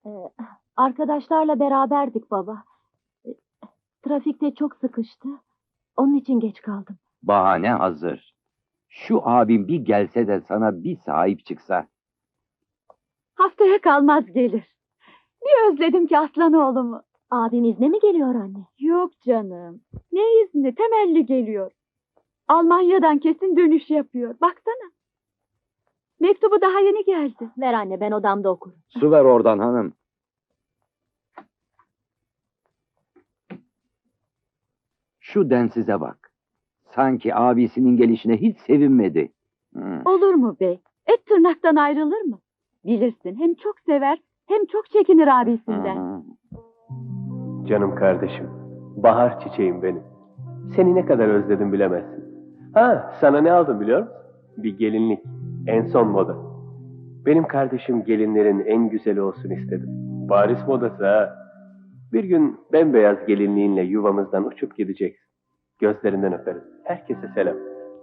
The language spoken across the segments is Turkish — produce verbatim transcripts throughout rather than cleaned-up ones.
Ee, Arkadaşlarla beraberdik baba. Ee, Trafikte çok sıkıştı. Onun için geç kaldım. Bahane hazır. Şu abim bir gelse de sana bir sahip çıksa. Haftaya kalmaz gelir. Bir özledim ki aslan oğlumu. Abim izne mi geliyor anne? Yok canım. Ne izni? Temelli geliyor. Almanya'dan kesin dönüş yapıyor. Baksana. Mektubu daha yeni geldi. Ver anne, ben odamda okurum. Su ver oradan hanım. Şu densize bak. Sanki abisinin gelişine hiç sevinmedi. Hı. Olur mu bey? Et tırnaktan ayrılır mı? Bilirsin, hem çok sever hem çok çekinir abisinden. Hı. Canım kardeşim, bahar çiçeğim benim. Seni ne kadar özledim bilemezsin. Ha, sana ne aldım biliyor musun? Bir gelinlik, en son moda. Benim kardeşim gelinlerin en güzeli olsun istedim. Paris modası ha. Bir gün bembeyaz gelinliğinle yuvamızdan uçup gideceksin. Gözlerinden öperim. Herkese selam.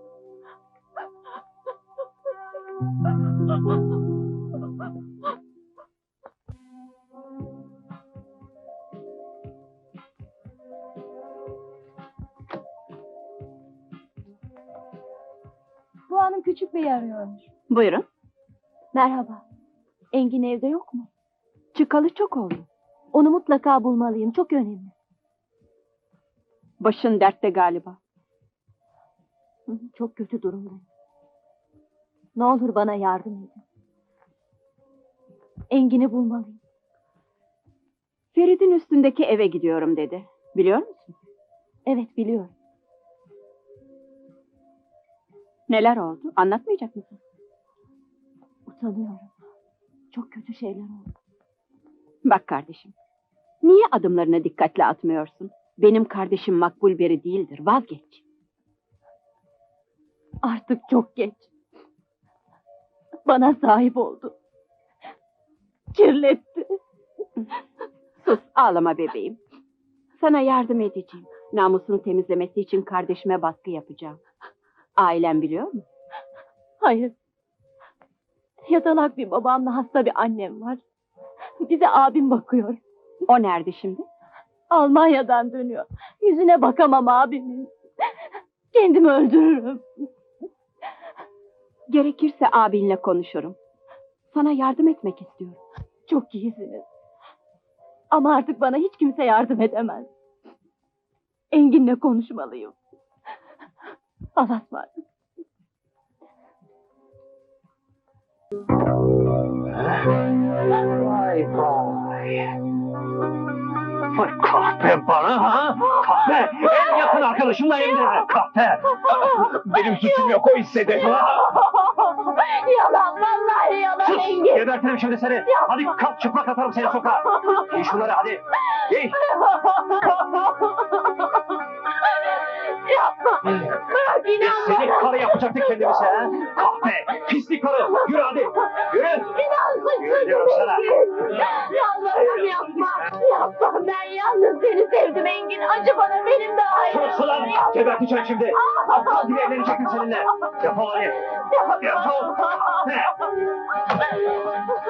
Bu hanım küçük beyi arıyormuş. Buyurun. Merhaba. Engin evde yok mu? Çıkalı çok oldu. Onu mutlaka bulmalıyım. Çok önemli. Başın dertte galiba. Hı hı, çok kötü durumdayım. Ne olur bana yardım edin. Engin'i bulmalıyım. Ferit'in üstündeki eve gidiyorum dedi. Biliyor musun? Evet, biliyorum. Neler oldu? Anlatmayacak mısın? Utanıyorum. Çok kötü şeyler oldu. Bak kardeşim. Niye adımlarını dikkatle atmıyorsun? Benim kardeşim makbul biri değildir. Vazgeç. Artık çok geç. Bana sahip oldu. Kirletti. Sus, ağlama bebeğim. Sana yardım edeceğim. Namusunu temizlemesi için kardeşime baskı yapacağım. Ailen biliyor mu? Hayır. Yatalak bir babamla hasta bir annem var. Bize abim bakıyor. O nerede şimdi? Almanya'dan dönüyor. Yüzüne bakamam abimin. Kendimi öldürürüm. Gerekirse abinle konuşurum. Sana yardım etmek istiyorum. Çok iyisiniz. Ama artık bana hiç kimse yardım edemez. Engin'le konuşmalıyım. Allah'a ısmarladık. Vay vay. Vay kahpe bana ha? Kahpe! En yakın arkadaşımla evde. Kahpe! Benim suçum yok, o istedi. Yalan, vallahi yalan Sus! Engin. Gebertirim şimdi seni. Hadi kalk, çıplak atarım seni sokağa. Giy şunları hadi. Giy. Yapma. Bırak, Biz inan seni bana. karı yapacaktık kendimize ha? Kahpe! Pislik karı! Yürü hadi! Yürü! İnan Yürü diyorum sana. Yalvarırım, yapma. Yapma, ben yalnız seni sevdim Engin. Acı bana, benim de ayrılığım. Sus ulan! Geberteceğim şimdi! Aptal gibi evlenecektim seninle! Defol hadi! Defol! Kahpe!